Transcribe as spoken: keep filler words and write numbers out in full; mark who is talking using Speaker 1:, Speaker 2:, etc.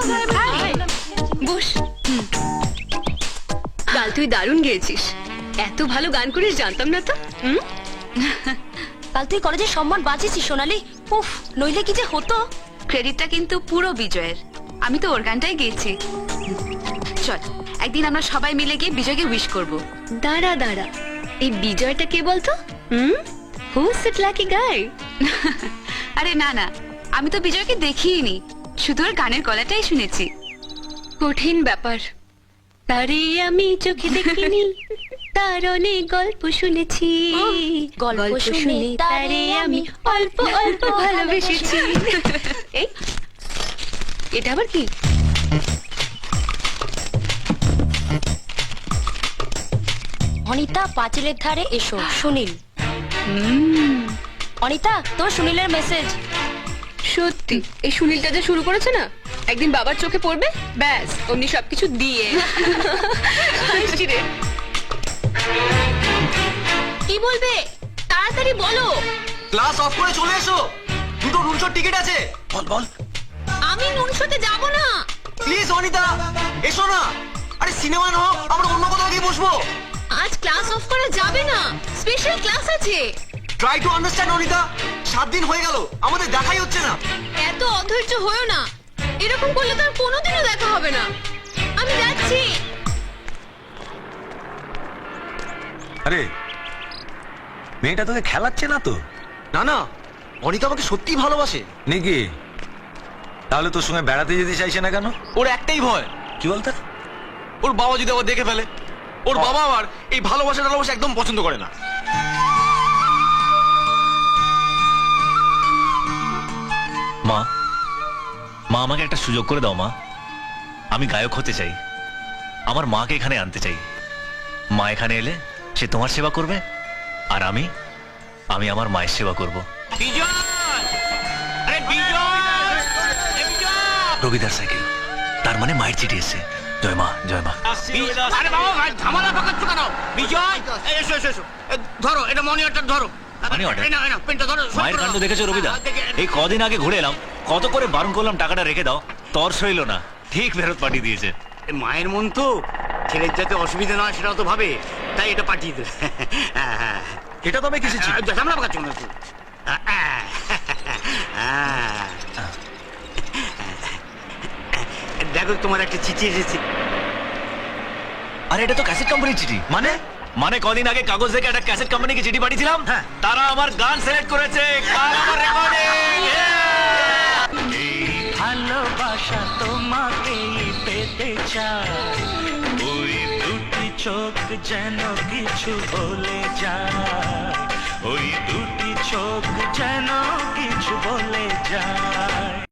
Speaker 1: বস। কাল তুই দারুণ গেয়েছিস, এত ভালো গান করিস জানতাম না তো। হুম,
Speaker 2: কাল তুই কলেজে সম্মান বাঁচিয়েছিস সোনালি। উফ, নইলে কি যে হতো।
Speaker 3: ক্রেডিটটা কিন্তু পুরো বিজয়ের, আমি তো ওর গানটাই গেয়েছি। চল একদিন আমরা সবাই মিলে গিয়ে বিজয়কে উইশ করব।
Speaker 1: দাঁড়া দাঁড়া, এই বিজয়টা কে বলতো? Hmm, who's that lucky guy?
Speaker 3: আরে না না, আমি তো বিজয়কে দেখিনি, শুধু ওর গানের গলাটাই শুনেছি।
Speaker 1: কঠিন ব্যাপার, তারে আমি চোখে দেখিনি, তার অনেক গল্প শুনেছি,
Speaker 2: গল্প শুনে
Speaker 1: তারে আমি অল্প অল্প ভালোবেসেছি। এই, এটা আবার কি?
Speaker 2: অনিতা পাঁচিলের ধারে এসো, সুনীল। অনিতা, তোর সুনীলের মেসেজ।
Speaker 1: সত্যি এই সুনীলটা যে শুরু করেছে না, একদিন বাবার চোখে পড়বে, ব্যাস অমনি সবকিছু দিয়ে। হাসছি রে। কি বলবে তাড়াতাড়ি বলো।
Speaker 4: ক্লাস অফ করে চলে এসো, দুটো রুমশোর টিকিট আছে। বল বল।
Speaker 1: আমি নুনশোতে যাব না।
Speaker 4: প্লিজ অনিতা এসো না। আরে সিনেমা না হোক, আমরা অন্য কোথাও গিয়ে বসবো।
Speaker 1: আজ ক্লাস অফ করা যাবে না, স্পেশাল ক্লাস আছে।
Speaker 4: ট্রাই টু আন্ডারস্ট্যান্ড অনিতা, সাত দিন হয়ে গেল আমাদের দেখাই হচ্ছে না।
Speaker 1: এত অধৈর্য হয়েও না, এরকম করলে তো আর কোনোদিনও দেখা হবে না। আমি যাচ্ছি।
Speaker 5: আরে মেয়েটা তোকে খেলাচ্ছে না তো?
Speaker 4: না না, অনিতা আমাকে সত্যিই ভালোবাসে।
Speaker 5: নাকি? তাহলে তোর সঙ্গে বেড়াতে যেতে চাইছে না কেন?
Speaker 4: ওর একটাই ভয়,
Speaker 5: কি বলতে?
Speaker 4: ওর বাবা যদি আবার দেখে ফেলে। ওর বাবা আবার এই ভালোবাসা টালোবাসা একদম পছন্দ করে না।
Speaker 6: মা, মা আমাকে একটা সুযোগ করে দাও মা। আমি গায়ক হতে চাই, আমার মাকে এখানে আনতে চাই। মা এখানে এলে সে তোমার সেবা করবে, আর আমি আমি আমার মায়ের সেবা করব। রবিদার সাইকেল, তার মানে মায়ের চিঠি এসছে। জয় মা, জয় মা।
Speaker 7: আরে বাবা ভাই ঝামেলা পাকাচ্ছ কেন? বিজয় এসো এসো এসো, ধরো এটা মনি অর্ডার ধরো।
Speaker 6: Money order?
Speaker 7: এই নাও, এই নাও, পেনটা ধরো।
Speaker 6: মায়ের কাণ্ড দেখেছো রবিদা? এই কদিন আগে ঘুরে এলাম, কত করে বারণ করলাম টাকাটা রেখে দাও, তর সইল না, ঠিক ফেরত পাঠিয়ে দিয়েছে।
Speaker 7: মায়ের মন তো, ছেলের যাতে অসুবিধা না হয় সেটাও তো ভাবে, তাই এটা পাঠিয়ে দেবে। হ্যাঁ হ্যাঁ,
Speaker 5: এটা তবে কিসের চিঠি?
Speaker 7: ঝামেলা পাকাচ্ছ কেন একটু? দেখো তোমার একটা চিঠি এসেছে।
Speaker 6: আরে এটা তো ক্যাসেট কোম্পানির চিঠি।
Speaker 5: মানে
Speaker 6: মানে কদিন আগে কাগজ থেকে একটা ক্যাসেট কোম্পানিকে চিঠি পাঠিয়েছিলাম, তারা আমার গান সিলেক্ট করেছে, কাল আমার রেকর্ডিং।
Speaker 8: ভালোবাসা তোমাকেই পেতে চায়, ওই দুটি চোখ যেন কিছু বলে যায়, ওই দুটি চোখ যেন কিছু বলে যায়।